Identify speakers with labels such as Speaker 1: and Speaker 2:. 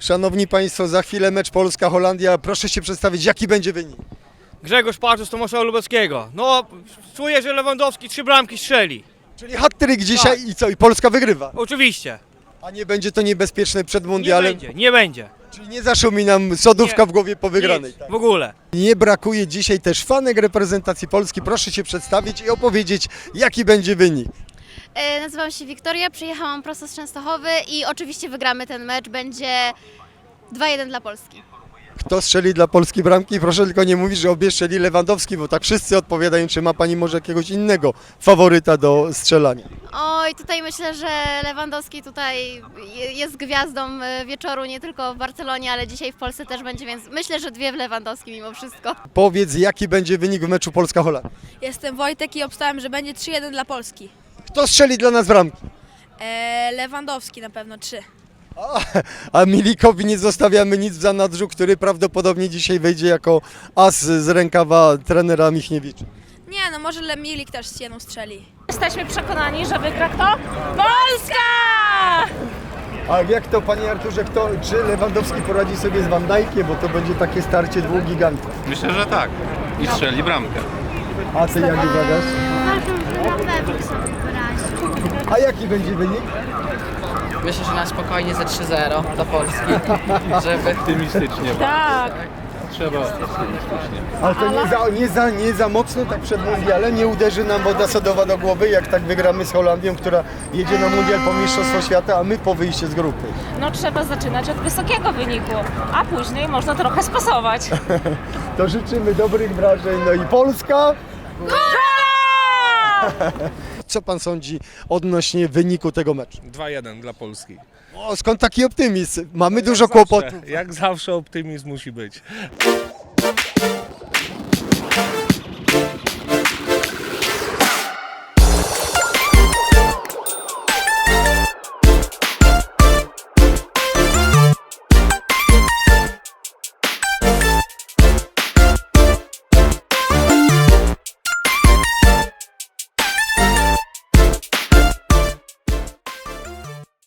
Speaker 1: Szanowni Państwo, za chwilę mecz Polska-Holandia. Proszę się przedstawić, jaki będzie wynik?
Speaker 2: Grzegorz Paczus z Tomasza Lubeckiego. No, czuję, że Lewandowski 3 bramki strzeli.
Speaker 1: Czyli hat-trick dzisiaj i co? I Polska wygrywa.
Speaker 2: Oczywiście.
Speaker 1: A nie będzie to niebezpieczne przed
Speaker 2: Nie
Speaker 1: mundialem?
Speaker 2: będzie, nie będzie.
Speaker 1: Czyli nie zaszumi nam sodówka
Speaker 2: Nie.
Speaker 1: w głowie po wygranej.
Speaker 2: Nic,
Speaker 1: Tak?
Speaker 2: w ogóle.
Speaker 1: Nie brakuje dzisiaj też fanek reprezentacji Polski. Proszę się przedstawić i opowiedzieć, jaki będzie wynik.
Speaker 3: Nazywam się Wiktoria, przyjechałam prosto z Częstochowy i oczywiście wygramy ten mecz, będzie 2-1 dla Polski.
Speaker 1: Kto strzeli dla Polski bramki? Proszę tylko nie mówić, że obie strzeli Lewandowski, bo tak wszyscy odpowiadają, czy ma Pani może jakiegoś innego faworyta do strzelania.
Speaker 3: Oj, tutaj myślę, że Lewandowski tutaj jest gwiazdą wieczoru, nie tylko w Barcelonie, ale dzisiaj w Polsce też będzie, więc myślę, że 2 w Lewandowski mimo wszystko.
Speaker 1: Powiedz, jaki będzie wynik w meczu Polska-Holandia.
Speaker 4: Jestem Wojtek i obstałem, że będzie 3-1 dla Polski.
Speaker 1: Kto strzeli dla nas bramki?
Speaker 4: Lewandowski na pewno 3.
Speaker 1: A Milikowi nie zostawiamy nic w zanadrzu, który prawdopodobnie dzisiaj wejdzie jako as z rękawa trenera Michniewicza.
Speaker 4: Nie, no może Milik też z jedną strzeli.
Speaker 5: Jesteśmy przekonani, że wygra kto? Polska!
Speaker 1: A jak to, Panie Arturze, czy Lewandowski poradzi sobie z Van Dijkiem, bo to będzie takie starcie dwóch gigantów?
Speaker 6: Myślę, że tak. I strzeli bramkę.
Speaker 1: A Ty jak uważasz?
Speaker 3: Uważam, że na pewno sobie poradzi.
Speaker 1: A jaki będzie wynik?
Speaker 7: Myślę, że na spokojnie ze 3-0 dla Polski, żeby...
Speaker 6: Optymistycznie.
Speaker 5: Tak.
Speaker 6: Trzeba optymistycznie.
Speaker 1: Ale to nie za mocno tak przed mundialem, nie uderzy nam woda sodowa do głowy, jak tak wygramy z Holandią, która jedzie na mundial po Mistrzostwo Świata, a my po wyjściu z grupy.
Speaker 5: No trzeba zaczynać od wysokiego wyniku, a później można trochę spasować.
Speaker 1: To życzymy dobrych wrażeń, no i Polska! Co Pan sądzi odnośnie wyniku tego meczu?
Speaker 8: 2-1 dla Polski.
Speaker 1: O, skąd taki optymizm? Mamy dużo kłopotów.
Speaker 8: Jak zawsze optymizm musi być.